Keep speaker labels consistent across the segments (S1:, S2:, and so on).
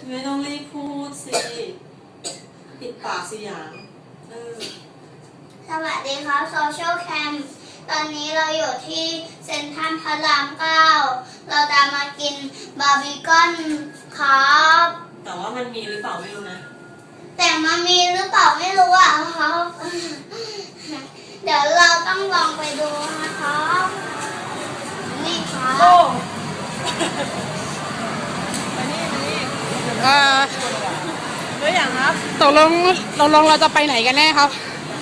S1: ไม่ต้องรีบพูดสิปิดปากสิหยาง
S2: สวัสดีครับโซเชียลแคมตอนนี้เราอยู่ที่เซ็นทรัลพระราม9เราจะมากินบาร์บีคอนครับ
S1: แต่ว่ามันมีหรือเปล่าไม่รู้นะ
S2: แต่มันมีหรือเปล่าไม่รู้อ่ะครับเดี๋ยวเราต้องลองไปดูนะครับนี่ครับ
S1: โอ้
S3: เฮ้ยอย่างครับตกลงเราจะไปไหนกันแน่ครับ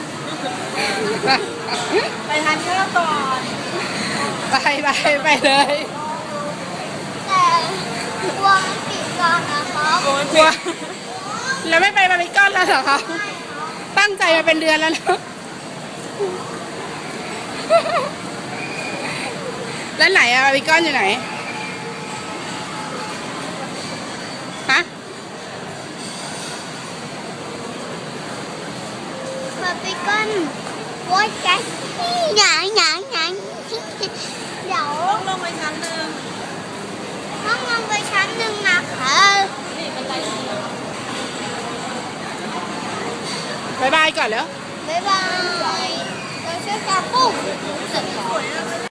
S3: ไปทานข้าวก่อนไปเลย
S2: แต่กลัวมันปิดก่อนนะครับ
S3: กลัวแล้วไม่ไปบาร์บีคอนแล้วเหรอครับตั้งใจมาเป็นเดือนแล้วนะแล้วไหนอะบาร์บีคอนอยู่ไหนฮะ
S2: บาร์บีคอนโว้ยแกหยางเดี๋ยว
S1: ลงไปชั้นหนึ่ง
S2: ต้องลงไปชั้นหนึ่งนะคะ
S3: บายบายก่อนแล้ว
S2: บ๊ายบายเราช่วยกันปุ๊บ